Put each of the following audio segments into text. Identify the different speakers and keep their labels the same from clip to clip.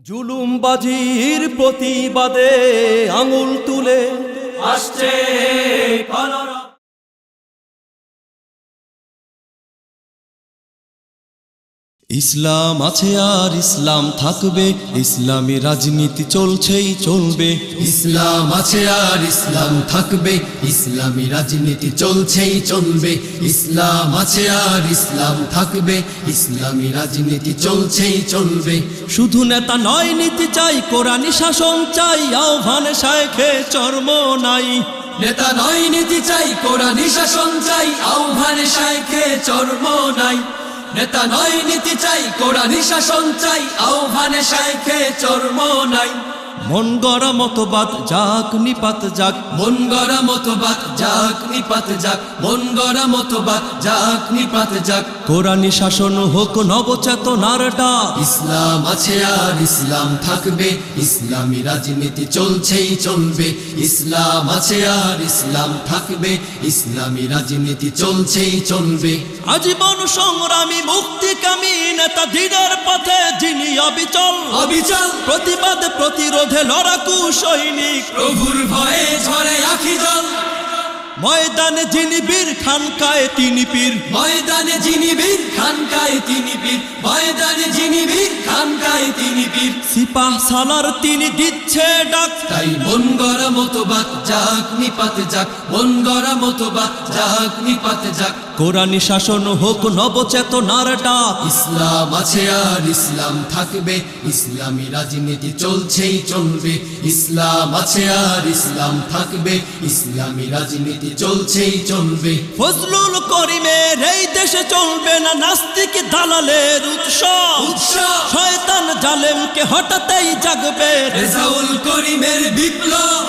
Speaker 1: জুলুমবাজির প্রতিবাদে আঙুল তুলে
Speaker 2: আসছে কলরা।
Speaker 1: ইসলাম আছে আর ইসলাম থাকবে, ইসলামী রাজনীতি চলছেই চলবে।
Speaker 3: ইসলাম আছে আর ইসলাম থাকবে, ইসলামী রাজনীতি চলছেই চলবে। ইসলাম আছে আর ইসলাম থাকবে, ইসলামী রাজনীতি চলছেই চলবে।
Speaker 1: শুধু নেতা নয়, নীতি চাই, কোরআনি শাসন চাই, আহ্বানে শায়েখে চর্ম নাই।
Speaker 3: নেতা নয় নীতি চাই, কোরআনি শাসন চাই, আহ্বানে শায়েখে চর্ম নাই। নেতা নয় নীতি চাই, কোরআনি শাসন চাই, আহ্বানে শায়েখে চর্ম নাই।
Speaker 1: মন গড়া মতবাদ যাক নিপাত যাক,
Speaker 3: মন গড়া মতবাদ যাক নিপাত যাক, মন গড়া মতবাদ যাক নিপাত যাক।
Speaker 1: কোরআনি শাসন হোক নবচেতনার ডাক।
Speaker 3: ইসলাম আছে আর ইসলাম থাকবে, ইসলামী রাজনীতি চলছেই চলবে। ইসলাম আছে আর ইসলাম থাকবে, ইসলামী রাজনীতি চলছেই চলবে।
Speaker 1: আজীবন সংগ্রামী মুক্তিকামী নেতা দিনের পথে যিনি অবিচল,
Speaker 3: অবিচল
Speaker 1: প্রতিবাদ প্রতিরোধে লড়াকু সৈনিক,
Speaker 3: প্রভুর ভয়ে ঝরে আখি জল।
Speaker 1: ময়দানে যিনি বীর, খানকায় তিনি পীর।
Speaker 3: ময়দানে যিনি বীর, খানকায় তিনি পীর। ময়দানে যিনি বীর, খানকায় তিনি পীর।
Speaker 1: সিপাহ সালার তিনি দিচ্ছে ডাক।
Speaker 3: তাই মন গড়া মতবাদ যাক নিপাত যাক, মন গড়া মতবাদ যাক নিপাত যাক।
Speaker 1: কোরআনি শাসন হোক নবচেতনার ডাক।
Speaker 3: ইসলাম আছে আর ইসলাম থাকবে, ইসলামী রাজনীতি চলছেই চলবে। ইসলাম আছে আর ইসলাম থাকবে, ইসলামী রাজনীতি চলছেই চলবে।
Speaker 1: ফজলুল করিমের এই দেশে চলবে না নাস্তিক দালালের উৎসব। শয়তান জালেমকে হঠাতেই জাগবে
Speaker 3: রেজাউল করিমের বিপ্লব।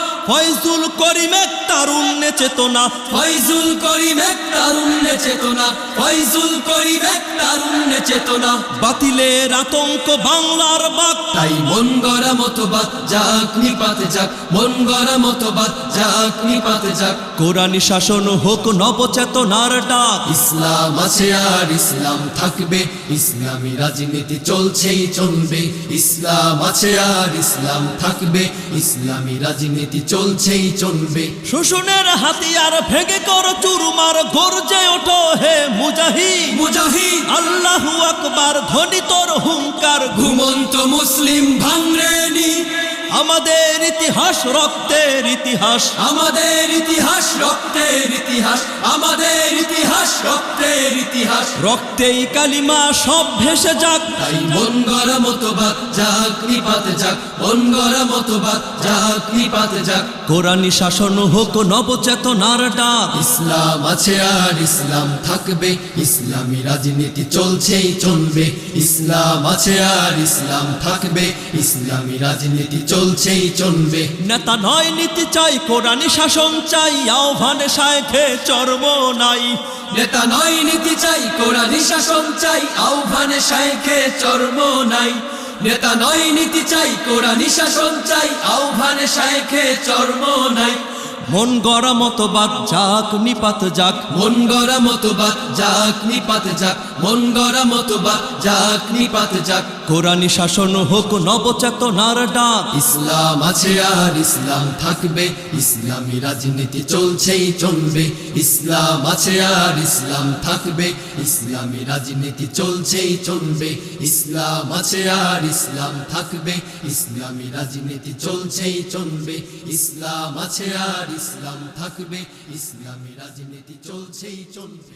Speaker 1: ফয়জুল করিম এক তারুণ্যে চেতনা,
Speaker 3: ফয়জুল করিম এক তারুণ্যে চেতনা, ফয়জুল করিম এক তারুণ্যে চেতনা।
Speaker 1: বাতিলের আতঙ্ক বাংলার বাক।
Speaker 3: তাই মন গড়া মতবাদ যাক নিপাত যাক, মন গড়া মতবাদ যাক নিপাত যাক।
Speaker 1: কোরআনি শাসন হোক নবচেতনার ডাক।
Speaker 3: ইসলাম আছে আর ইসলাম থাকবে, ইসলামী রাজনীতি চলছেই চলবে। ইসলাম আছে আর ইসলাম থাকবে, ইসলামী রাজনীতি চলছেই চলবে।
Speaker 1: শোষণের হাতিয়ার ভেঙে কর চুরমার, গর্জে ওঠো হে মুজাহিদ।
Speaker 3: মুজাহিদ
Speaker 1: আল্লাহু আকবার ধ্বনি তোর হুঙ্কার।
Speaker 3: ঘুমন্ত মুসলিম ভাঙরেনি,
Speaker 1: আমাদের ইতিহাস রক্তের ইতিহাস,
Speaker 3: আমাদের ইতিহাস রক্তের ইতিহাস, আমাদের ইতিহাস রক্তের ইতিহাস।
Speaker 1: রক্তেই কালিমা সব ভেসে যাক।
Speaker 3: তাই মন গড়া মতবাদ যাক নিপাত যাক, মন গড়া মতবাদ যাক নিপাত যাক।
Speaker 1: কোরআনি শাসন হোক নবচেতনার ডাক।
Speaker 3: ইসলাম আছে আর ইসলাম থাকবে, ইসলামী রাজনীতি চলছেই চলবে। ইসলাম আছে আর ইসলাম থাকবে, ইসলামী রাজনীতি চলছেই চলবে।
Speaker 1: নেতা নয় নীতি চাই, কোরআনি শাসন চাই, আহ্বানে শায়েখে চর্ম নাই।
Speaker 3: নেতা নয় নীতি চাই, কোরআনি শাসন চাই, আহ্বানে শায়েখে চর্ম নাই। নেতা নয় নীতি চাই, কোরআনি শাসন চাই, আহ্বানে শায়েখে চর্ম নাই।
Speaker 1: মন গড়া মতবাদ যাক নিপাত যাক,
Speaker 3: মন গড়া মতবাদ যাক নিপাত যাক, মন গড়া মতবাদ যাক নিপাত যাক।
Speaker 1: কোরআনি শাসন হোক নবচেতনার ডাক।
Speaker 3: ইসলাম আছে আর ইসলাম থাকবে, ইসলামী রাজনীতি চলছেই চলবে। ইসলাম আছে আর ইসলাম থাকবে, ইসলামী রাজনীতি চলছেই চলবে। ইসলাম আছে আর ইসলাম থাকবে, ইসলামী রাজনীতি চলছেই চলবে। ইসলাম আছে আর ইসলাম থাকবে, ইসলামী রাজনীতি চলছেই চলবে।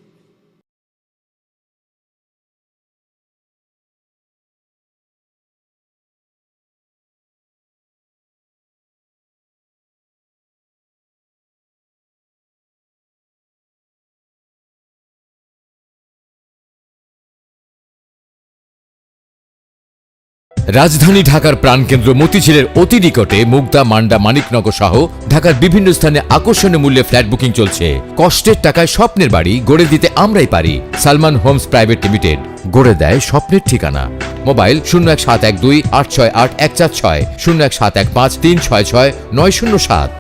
Speaker 4: রাজধানী ঢাকার প্রাণকেন্দ্র মতিঝিলের অতি নিকটে মুগদা, মান্ডা, মানিকনগর সহ ঢাকার বিভিন্ন স্থানে আকর্ষণীয় মূল্যে ফ্ল্যাট বুকিং চলছে। কষ্টের টাকায় স্বপ্নের বাড়ি গড়ে দিতে আমরাই পারি। সালমান হোমস প্রাইভেট লিমিটেড গড়ে দেয় স্বপ্নের ঠিকানা। মোবাইল 01712 868 146, 01715 366 907।